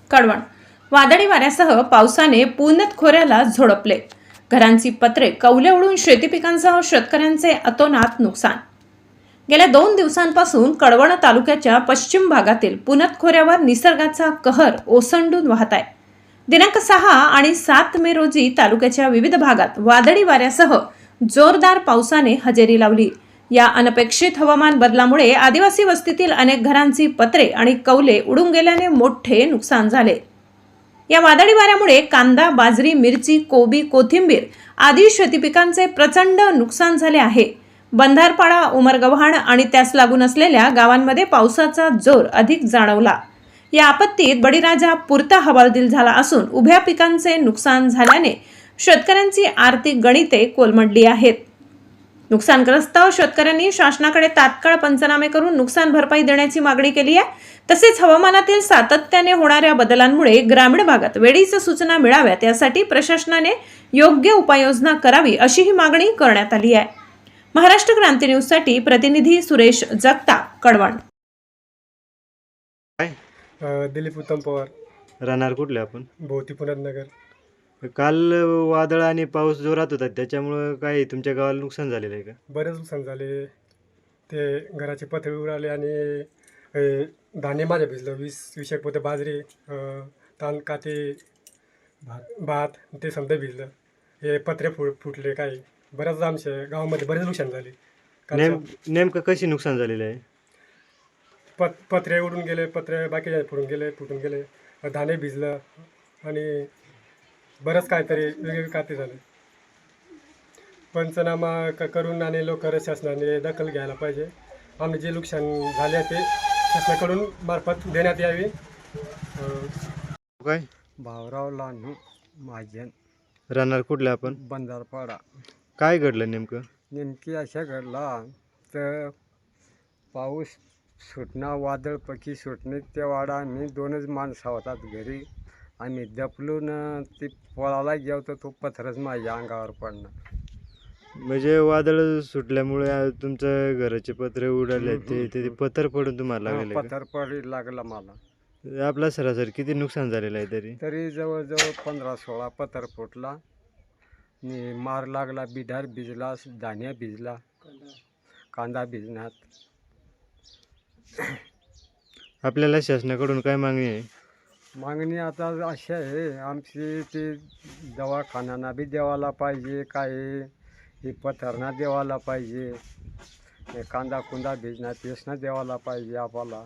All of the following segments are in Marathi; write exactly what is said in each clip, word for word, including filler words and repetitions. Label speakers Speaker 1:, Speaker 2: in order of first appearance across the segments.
Speaker 1: कळवण. वादळी वाऱ्यासह पावसाने पुनत खोऱ्याला झोडपले. घरांची पत्रे, कौले उडून शेती पिकांसह शेतकऱ्यांचे अतोनात नुकसान. गेल्या दोन दिवसांपासून कळवण तालुक्याच्या पश्चिम भागातील पुनत खोऱ्यावर निसर्गाचा कहर ओसंडून वाहत आहे. दिनांक सहा आणि सात मे रोजी तालुक्याच्या विविध भागात वादळी वाऱ्यासह जोरदार पावसाने हजेरी लावली. या अनपेक्षित हवामान बदलामुळे आदिवासी वस्तीतील अनेक घरांची पत्रे आणि कौले उडून गेल्याने मोठे नुकसान झाले. या वादळी वाऱ्यामुळे कांदा, बाजरी, मिरची, कोबी, कोथिंबीर आदी शेती पिकांचे प्रचंड नुकसान झाले आहे. बंधारपाडा, उमरगव्हाण आणि त्यास लागून असलेल्या गावांमध्ये पावसाचा जोर अधिक जाणवला. या आपत्तीत बळीराजा पुरता हवालदिल झाला असून उभ्या पिकांचे नुकसान झाल्याने शेतकऱ्यांची आर्थिक गणिते कोलमडली आहेत. नुकसानग्रस्त शेतकऱ्यांनी शासनाकडे तात्काळ पंचनामे करून नुकसान भरपाई देण्याची मागणी केली आहे. तसेच हवामानातील सातत्याने होणाऱ्या बदलांमुळे ग्रामीण भागात वेळीच सूचना मिळाव्यात यासाठी प्रशासनाने योग्य उपाययोजना करावी अशीही मागणी करण्यात आली आहे. महाराष्ट्र क्रांती न्यूज साठी प्रतिनिधी सुरेश जगताप, कळवण.
Speaker 2: दिलीप उत्तम पवार,
Speaker 3: राहणार कुठले आपण?
Speaker 2: भोवती पुण्यात नगर.
Speaker 3: काल वादळ आणि पाऊस जोरात होता, त्याच्यामुळं काय तुमच्या गावाला नुकसान झालेलं आहे का?
Speaker 2: बरेच नुकसान झाले. ते घराचे पत्रे उडाले आणि अ, धान्य माझ्या भिजलं. वीस वीस एक पोते बाजरी, अ, तांद काते, भात भात ते समजा भिजलं. हे पत्रे फुट फुटले. काही बऱ्याच आमच्या गावामध्ये बरेच नुकसान झाले.
Speaker 3: नेम नेमकं कशी नुकसान झालेलं आहे?
Speaker 2: पत पत्रे उडून गेले, पत्रे बाकी फुटून गेले फुटून गेले धान्य भिजलं आणि बरंच काहीतरी वेगवेगळे काते झाले. पंचनामा क करून आणि लोक शासनाने दखल घ्यायला पाहिजे. आम्ही जे नुकसान झाले ते शासनाकडून मार्फत देण्यात यावी.
Speaker 3: काय
Speaker 4: भावराव लानू महाजन,
Speaker 3: राहणार कुठले आपण?
Speaker 4: बंधारपाडा.
Speaker 3: काय घडलं नेमकं?
Speaker 4: नेमकी अशा घडला तर पाऊस सुटणं, वादळपैकी सुटणे ते वाडा आम्ही दोनच माणसं होतात घरी. आम्ही दपलून ते पोळाला गेलो तर तो पथरच माझ्या अंगावर पडणं.
Speaker 3: म्हणजे वादळ सुटल्यामुळे तुमचं घराचे पत्रे उडाले, ते ते पत्थर पडून तुम्हाला लागले का?
Speaker 4: पथर पडी लागला मला.
Speaker 3: आपला सरासरी किती नुकसान झालेलं आहे तरी?
Speaker 4: तरी जवळजवळ पंधरा सोळा पथर फुटला. आणि मार लागला, बिडार भिजला, धान्य भिजला, कांदा भिजण्यात.
Speaker 3: आपल्याला शासनाकडून काय मागणी आहे?
Speaker 4: मागणी आता अशी आहे आमची, ते दवाखान्यांना बी देवाला पाहिजे, काही हे पथरणा देवाला पाहिजे, हे कांदा कुंदा भिजणार तेसना देवाला पाहिजे आम्हाला.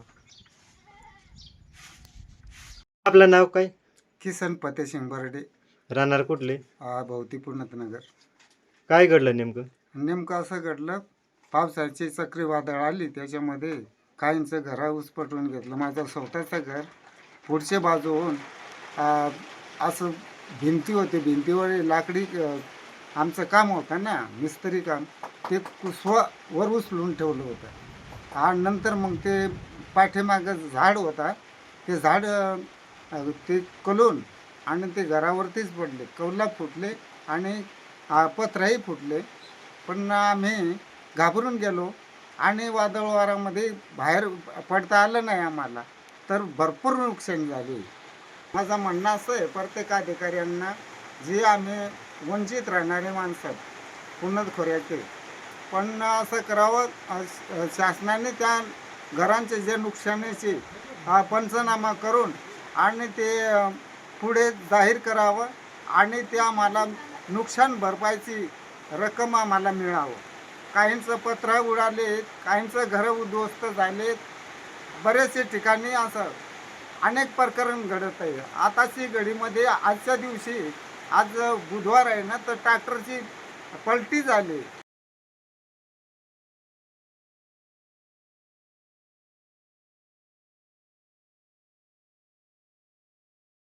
Speaker 3: आपलं नाव काय?
Speaker 5: किसन फतेसिंग बर्डे,
Speaker 3: राहणार कुठले?
Speaker 5: हा भोवती पुण्यात नगर.
Speaker 3: काय घडलं नेमकं?
Speaker 5: नेमकं असं घडलं, पावसाची चक्रीवादळ आली, त्याच्यामध्ये काहींचं घरा उसपटवून घेतलं. माझं स्वतःचं घर पुढच्या बाजूहून आ, असं भिंती होते, भिंतीवर लाकडी अ, आमचं काम होतं ना, मिस्त्री काम, ते स्व वर उचलून ठेवलं होतं. आणि नंतर मग ते पाठीमागं झाड होता, ते झाड अ, ते कलून आणि ते घरावरतीच पडले. कौला फुटले आणि आ, पत्राही फुटले. पण आम्ही घाबरून गेलो आणि वादळ वारामध्ये बाहेर पडता आलं नाही आम्हाला, तर भरपूर नुकसान झाले. माझं म्हणणं असं आहे प्रत्येक अधिकाऱ्यांना, जे आम्ही वंचित राहणारे माणसं पुनत खोऱ्याचे, पण असं करावं, अ, शासनाने त्या घरांचे जे नुकसानीचे अ, पंचनामा करून आणि ते अ, पुढे जाहीर करावं आणि ते आम्हाला नुकसान भरपाईची रक्कम आम्हाला मिळावं. काहींचं पत्र उडाले, काहींचं घरं उद्ध्वस्त झालेत. बरेचसे ठिकाणी असं अनेक प्रकरण घडत आहे. आताची घडीमध्ये आजच्या दिवशी, आज बुधवार आहे ना, तर ट्रॅक्टरची पलटी झाली.